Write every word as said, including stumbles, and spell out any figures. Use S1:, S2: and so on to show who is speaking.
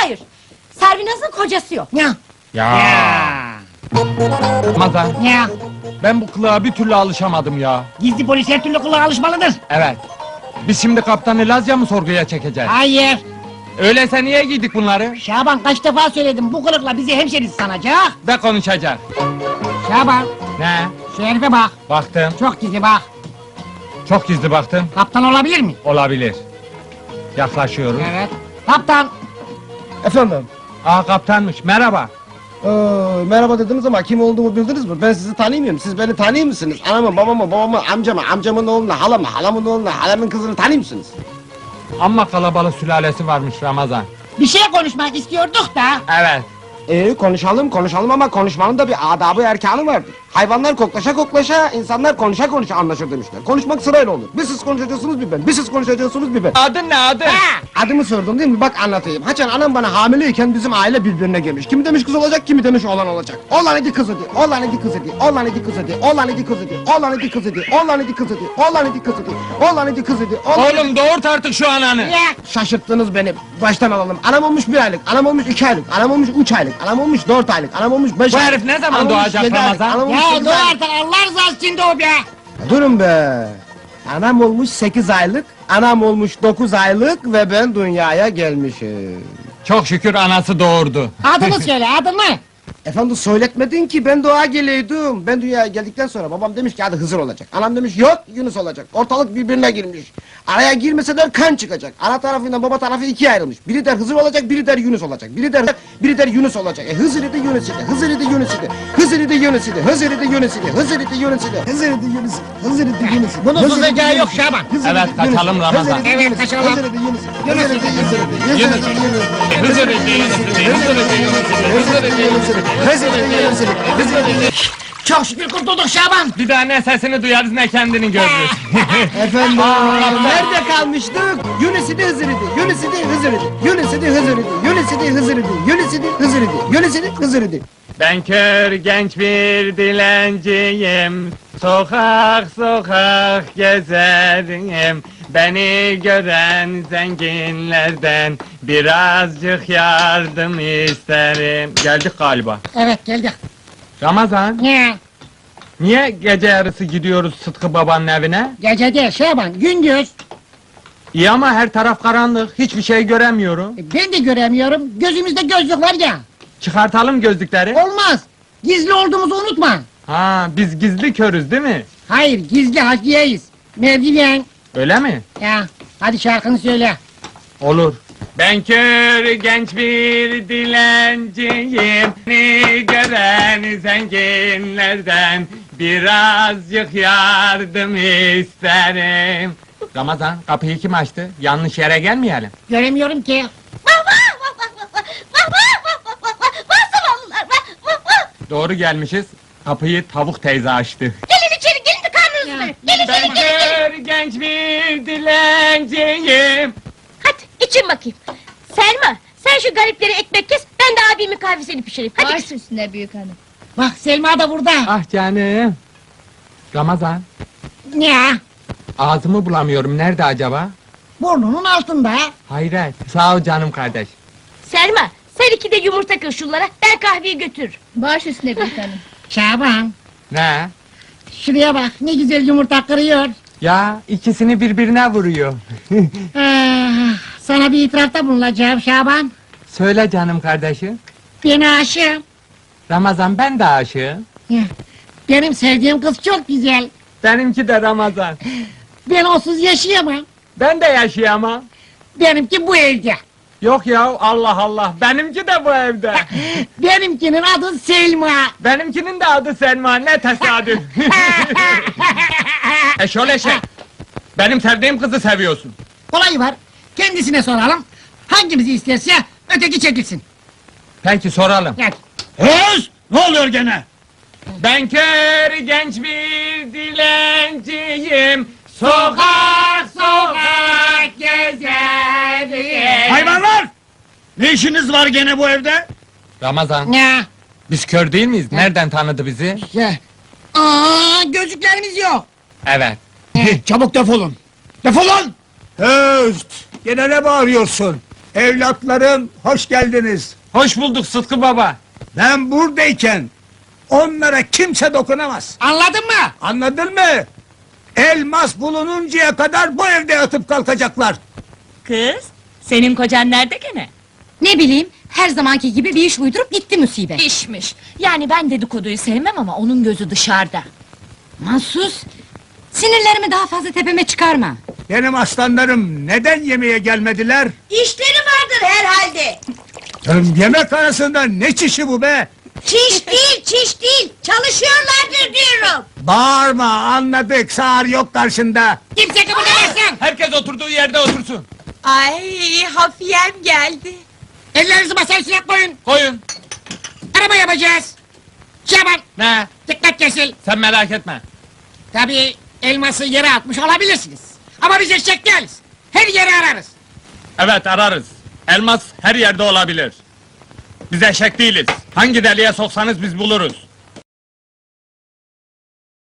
S1: Hayır, Servinaz'ın kocası yok.
S2: Ya.
S3: Ya. Ramazan,
S2: Ya.
S3: ben bu kılığa bir türlü alışamadım ya.
S2: Gizli polis her türlü kılığa alışmalıdır.
S3: Evet. Biz şimdi kaptanı Lazya mı sorguya çekeceğiz?
S2: Hayır.
S3: Öyleyse niye giydik bunları?
S2: Şaban kaç defa söyledim bu kılıkla bizi hemşeriz sanacak.
S3: Ve konuşacak.
S2: Şaban
S3: Ne?
S2: şu herife bak.
S3: Baktım.
S2: Çok gizli bak.
S3: Çok gizli baktım.
S2: Kaptan olabilir mi?
S3: Olabilir. Yaklaşıyoruz.
S2: Evet. Kaptan.
S4: Efendim?
S3: Aa, kaptanmış. Merhaba.
S4: Ee, merhaba dediniz ama kim olduğumu bildiniz mi? Ben sizi tanımıyorum. Siz beni tanıyor musunuz? Anamı, babamı, babamı, amcamı, amcamın oğlunu, halamı, halamın oğlunu, halamın kızını tanıyor musunuz?
S3: Amma kalabalık sülalesi varmış Ramazan.
S2: Bir şey konuşmak istiyorduk da.
S3: Evet.
S4: Ee, konuşalım, konuşalım ama konuşmanın da bir adabı erkanı vardır. Hayvanlar koklaşa koklaşa, insanlar konuşa konuşa anlaşır demişler. Konuşmak sırayla olur. Bir siz konuşacaksınız bir ben, bir siz konuşacaksınız bir ben.
S3: Adın ne adın?
S2: Ha.
S4: Adımı sordun değil mi? Bak anlatayım. Haçan anam bana hamileyken bizim aile birbirine girmiş. Kimi demiş kız olacak, kimi demiş oğlan olacak. Oğlan idi kız idi, oğlan idi kız idi, oğlan idi kız idi, oğlan idi kız idi, oğlan idi kız idi, oğlan idi kız idi, oğlan idi kız idi, oğlan idi kız idi, oğlan idi.
S3: Oğlum doğurt artık şu ananı.
S2: Ya.
S4: Şaşırttınız beni. Baştan alalım. Anam olmuş bir aylık, anam olmuş iki aylık, anam olmuş üç aylık, anam olmuş dört aylık, anam olmuş beş
S3: Bu
S4: aylık.
S3: herif ne zaman
S4: anam olmuş
S3: doğacak
S4: yedi aylık,
S3: Ramazan?
S4: anam olmuş
S2: Ya
S4: sekiz
S2: dur
S4: aylık.
S2: artık Allah rızası için de o be.
S4: Durun be! Anam olmuş sekiz aylık, anam olmuş dokuz aylık ve ben dünyaya gelmişim.
S3: Çok şükür anası doğurdu.
S2: Adını söyle adını.
S4: Efendim söyletmedin ki ben doğa geleydim. Ben dünyaya geldikten sonra babam demiş ki hadi Hızır olacak. Anam demiş yok Yunus olacak. Ortalık birbirine girmiş. Araya girmeseler kan çıkacak. Ana tarafıyla baba tarafı ikiye ayrılmış. Biri der Hızır olacak, biri der Yunus olacak. Biri der biri der Yunus olacak. E Hızır idi Yunus idi. Hızır idi Yunus idi. Hızır idi Yunus idi. Hızır idi Yunus idi. Hızır idi Yunus idi. Hızır idi Yunus idi. Hızır idi Yunus idi.
S2: Bunun
S4: Hızır idi
S2: suzacağı
S4: Yunus
S2: yok
S4: idi.
S2: Şaban.
S4: Hızır
S3: Evet,
S4: idi Yunus
S3: kaçalım
S4: idi.
S3: Ramazan.
S4: Hızır idi
S2: Evet,
S4: Yunus idi.
S2: kaçalım.
S4: Hızır idi Yunus idi. Hızır idi Yunus idi. Hızır idi
S3: Yunus.
S4: Yunus idi.
S3: Hızır idi, Yunus idi, Hızır idi, Yunus idi, Hızır idi, Yunus idi.
S4: Hızır idi Yunus idi. Hızır idi.
S2: Çok şükür kurtulduk Şaban.
S3: Bir daha ne sesini duyarız ne kendini görürüz.
S4: Efendim, nerede kalmıştık? Yunus idi Hızır idi. Yunus idi Hızır idi. Yunus idi Hızır idi. Yunus idi Hızır idi. Yunus idi Hızır idi. Yunus idi Hızır idi.
S3: Ben kör genç bir dilenciyim, sokak sokak gezerim. Beni gören zenginlerden birazcık yardım isterim. Geldik galiba.
S2: Evet geldik.
S3: Ramazan,
S2: Ne?
S3: niye gece yarısı gidiyoruz Sıtkı babanın evine?
S2: Gece değil Şaban gündüz.
S3: İyi ama her taraf karanlık, hiçbir şey göremiyorum.
S2: E, Ben de göremiyorum. Gözümüzde gözlük var ya.
S3: Çıkartalım gözlükleri.
S2: Olmaz. Gizli olduğumuzu unutma.
S3: Ha, biz gizli körüz değil mi?
S2: Hayır gizli hakiyeyiz. Mevdilen.
S3: Öyle mi?
S2: Ya hadi şarkını söyle.
S3: Olur. Ben kör genç bir dilenciyim, beni gören zenginlerden birazcık yardım isterim. Ramazan, kapıyı kim açtı? Yanlış yere gelmeyelim.
S2: Göremiyorum ki.
S1: Vah vah vah vah vah vah vah vah vah vah vah zavallılar vah vah vah.
S3: Doğru gelmişiz. Kapıyı tavuk teyze açtı.
S1: Gelin içeri gelin de karnınızı doyurun. Gelin
S3: Ben
S1: gelin gelin gelin.
S3: kör genç bir dilenciyim.
S1: Hadi için bakayım. Selma sen şu gariplere ekmek kes ben de abimin kahvesini pişireyim. Hadi.
S5: Baş üstüne büyük hanım.
S2: Bak Selma da burada.
S3: Ah canım. Ramazan,
S2: Ya
S3: ağzımı bulamıyorum. Nerede acaba?
S2: burnunun altında.
S3: Hayret. Sağ ol canım kardeş.
S1: Selma sen iki de yumurta kır şunlara ben kahveyi götürürüm.
S5: Baş üstüne büyük hanım.
S2: Şaban
S3: Ne?
S2: şuraya bak ne güzel yumurta kırıyor.
S3: Ya ikisini birbirine vuruyor.
S2: Ah, sana bir itirafta bulunacağım Şaban.
S3: Söyle canım kardeşim.
S2: Ben aşığım.
S3: Ramazan, ben de aşığım.
S2: Ya, benim sevdiğim kız çok güzel.
S3: Benimki de Ramazan.
S2: Ben onsuz yaşayamam.
S3: Ben de yaşayamam.
S2: Benimki bu evde.
S3: Yok ya, Allah Allah. Benimki de bu evde.
S2: Benimkinin adı Selma.
S3: Benimkinin de adı Selma. Ne tesadüf. Eşol eşek. Benim sevdiğim kızı seviyorsun.
S2: Olayı var. Kendisine soralım. Hangimizi isterse öteki çekilsin.
S3: Peki soralım.
S2: Gel.
S6: Öz! Ne oluyor gene?
S3: Ben kör genç bir dilenciyim. Sokak sokak gezerim.
S6: Hayvanlar! Ne işiniz var gene bu evde?
S3: Ramazan,
S2: Ya.
S3: biz kör değil miyiz? Nereden tanıdı bizi?
S2: Ya. Aa, gözlüklerimiz yok.
S3: Evet.
S6: Çabuk defolun! Defolun! Öz! Gene ne bağırıyorsun?
S7: Evlatlarım hoş geldiniz.
S3: Hoş bulduk Sıtkı baba.
S7: Ben buradayken onlara kimse dokunamaz.
S2: Anladın mı?
S7: Anladın mı? Elmas bulununcaya kadar bu evde yatıp kalkacaklar.
S8: Kız, senin kocan nerede gene?
S5: Ne bileyim, her zamanki gibi bir iş uydurup gitti musibet.
S8: İşmiş. Yani ben dedikoduyu sevmem ama onun gözü dışarıda.
S5: Mahsus, sinirlerimi daha fazla tepeme çıkarma.
S7: Benim aslanlarım neden yemeğe gelmediler?
S1: İşleri vardır herhalde.
S7: Canım, yemek arasında ne çişi bu be?
S1: Çiş değil, çiş değil. Çalışıyorlardır diyorum.
S7: Bağırma, anladık, sağır yok karşında.
S2: Kimse kıpırdamasın.
S3: Herkes oturduğu yerde otursun.
S8: Ay, hafiyem geldi.
S2: Ellerinizi masaya üstüne koyun.
S3: Koyun.
S2: Araba yapacağız. Şaban,
S3: Ne?
S2: dikkat kesil.
S3: Sen merak etme.
S2: Tabii elması yere atmış olabilirsiniz. Ama biz eşek değiliz. Her yeri ararız.
S3: Evet ararız. Elmas her yerde olabilir. Biz eşek değiliz. Hangi deliğe soksanız biz buluruz.